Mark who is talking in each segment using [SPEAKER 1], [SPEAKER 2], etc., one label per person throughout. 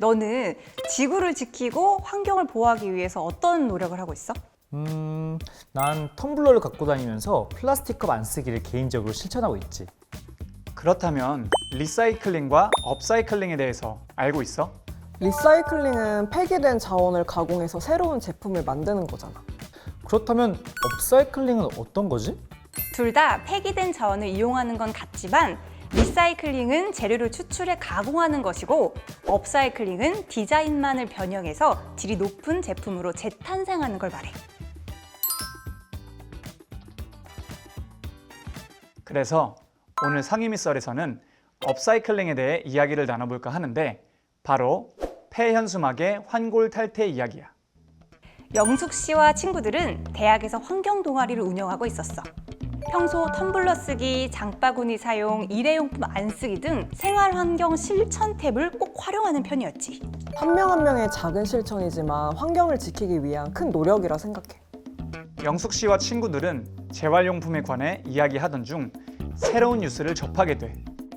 [SPEAKER 1] 너는 지구를 지키고 환경을 보호하기 위해서 어떤 노력을 하고 있어?
[SPEAKER 2] 난 텀블러를 갖고 다니면서 플라스틱 컵 안 쓰기를 개인적으로 실천하고 있지.
[SPEAKER 3] 그렇다면 리사이클링과 업사이클링에 대해서 알고 있어?
[SPEAKER 4] 리사이클링은 폐기된 자원을 가공해서 새로운 제품을 만드는 거잖아.
[SPEAKER 2] 그렇다면 업사이클링은 어떤 거지?
[SPEAKER 1] 둘 다 폐기된 자원을 이용하는 건 같지만 리사이클링은 재료를 추출해 가공하는 것이고 업사이클링은 디자인만을 변형해서 질이 높은 제품으로 재탄생하는 걸 말해.
[SPEAKER 3] 그래서 오늘 상임이 썰에서는 업사이클링에 대해 이야기를 나눠볼까 하는데 바로 폐현수막의 환골 탈태 이야기야.
[SPEAKER 1] 영숙 씨와 친구들은 대학에서 환경 동아리를 운영하고 있었어. 평소 텀블러 쓰기, 장바구니 사용, 일회용품 안 쓰기 등 생활환경 실천 탭을 꼭 활용하는 편이었지.
[SPEAKER 4] 한 명 한 명의 작은 실천이지만 환경을 지키기 위한 큰 노력이라 생각해.
[SPEAKER 3] 영숙 씨와 친구들은 재활용품에 관해 이야기하던 중 새로운 뉴스를 접하게 돼.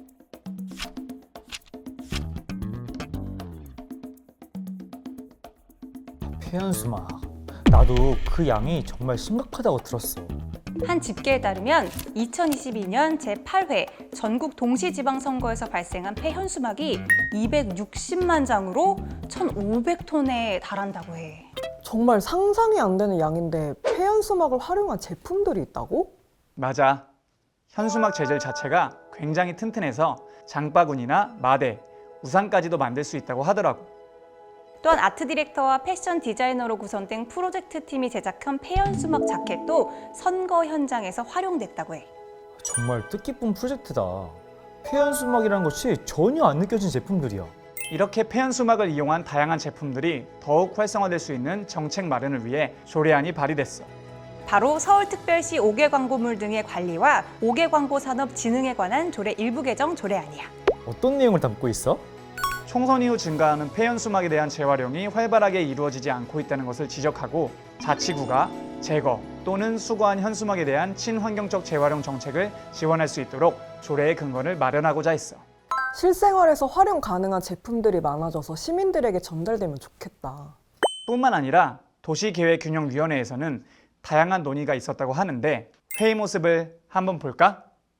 [SPEAKER 2] 폐연수막. 나도 그 양이 정말 심각하다고 들었어.
[SPEAKER 1] 한 집계에 따르면 2022년 제8회 전국 동시지방선거에서 발생한 폐현수막이 260만 장으로 1,500톤에 달한다고 해.
[SPEAKER 4] 정말 상상이 안 되는 양인데 폐연수막을 활용한 제품들이 있다고?
[SPEAKER 3] 맞아. 현수막 재질 자체가 굉장히 튼튼해서 장바구니나 마대, 우산까지도 만들 수 있다고 하더라고.
[SPEAKER 1] 또한 아트 디렉터와 패션 디자이너로 구성된 프로젝트 팀이 제작한 폐현수막 자켓도 선거 현장에서 활용됐다고 해.
[SPEAKER 2] 정말 뜻깊은 프로젝트다. 폐연수막이라는 것이 전혀 안 느껴진 제품들이야.
[SPEAKER 3] 이렇게 폐현수막을 이용한 다양한 제품들이 더욱 활성화될 수 있는 정책 마련을 위해 조례안이 발의됐어.
[SPEAKER 1] 바로 서울특별시 5개 광고물 등의 관리와 5개 광고 산업 진흥에 관한 조례 일부 개정 조례안이야.
[SPEAKER 2] 어떤 내용을 담고 있어?
[SPEAKER 3] 총선 이후 증가하는 폐현수막에 대한 재활용이 활발하게 이루어지지 않고 있다는 것을 지적하고 자치구가 제거 또는 수거한 현수막에 대한 친환경적 재활용 정책을 지원할 수 있도록 조례의 근거를 마련하고자 했어.
[SPEAKER 4] 실생활에서 활용 가능한 제품들이 많아져서 시민들에게 전달되면 좋겠다.
[SPEAKER 3] 뿐만 아니라 도시계획균형위원회에서는 다양한 논의가 있었다고 하는데 회의 모습을 한번 볼까?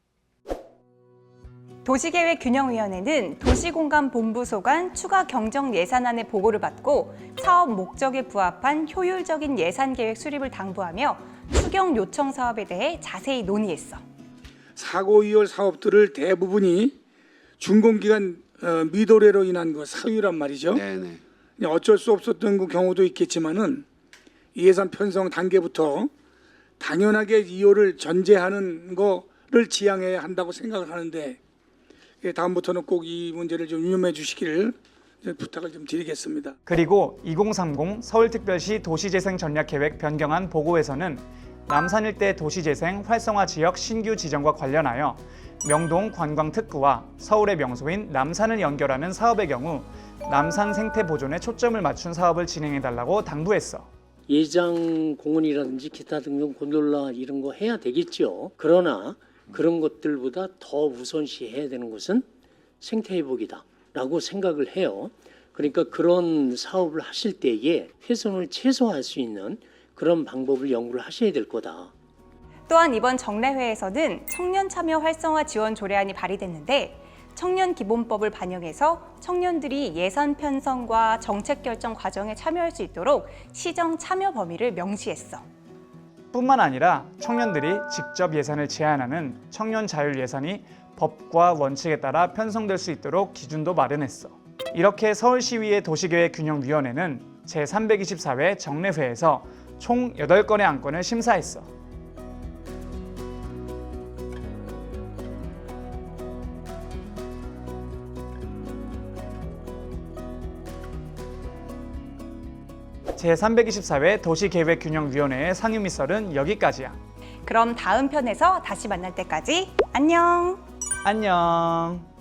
[SPEAKER 1] 도시계획균형위원회는 도시공간본부소 간 추가 경정 예산안의 보고를 받고 사업 목적에 부합한 효율적인 예산계획 수립을 당부하며 추경 요청 사업에 대해 자세히 논의했어.
[SPEAKER 5] 사고 이월 사업들을 대부분이 준공기간 미도래로 인한 그 사유란 말이죠.
[SPEAKER 6] 네네.
[SPEAKER 5] 어쩔 수 없었던 그 경우도 있겠지만은 예산 편성 단계부터 당연하게 이월을 전제하는 거를 지향해야 한다고 생각을 하는데 다음부터는 꼭 이 문제를 좀 유념해 주시기를 부탁을 좀 드리겠습니다.
[SPEAKER 3] 그리고 2030 서울특별시 도시재생 전략계획 변경안 보고에서는 남산 일대 도시재생 활성화 지역 신규 지정과 관련하여 명동 관광특구와 서울의 명소인 남산을 연결하는 사업의 경우 남산 생태 보존에 초점을 맞춘 사업을 진행해달라고 당부했어.
[SPEAKER 7] 예장 공원이라든지 기타 등등 곤돌라 이런 거 해야 되겠죠. 그러나 그런 것들보다 더 우선시해야 되는 것은 생태회복이다라고 생각을 해요. 그러니까 그런 사업을 하실 때에 훼손을 최소화할 수 있는 그런 방법을 연구를 하셔야 될 거다.
[SPEAKER 1] 또한 이번 정례회에서는 청년 참여 활성화 지원 조례안이 발의됐는데 청년기본법을 반영해서 청년들이 예산 편성과 정책 결정 과정에 참여할 수 있도록 시정 참여 범위를 명시했어.
[SPEAKER 3] 뿐만 아니라 청년들이 직접 예산을 제안하는 청년 자율 예산이 법과 원칙에 따라 편성될 수 있도록 기준도 마련했어. 이렇게 서울시의회 도시계획균형위원회는 제324회 정례회에서 총 8건의 안건을 심사했어. 제324회 도시계획균형위원회의 상임위 썰은 여기까지야.
[SPEAKER 1] 그럼 다음 편에서 다시 만날 때까지 안녕!
[SPEAKER 3] 안녕.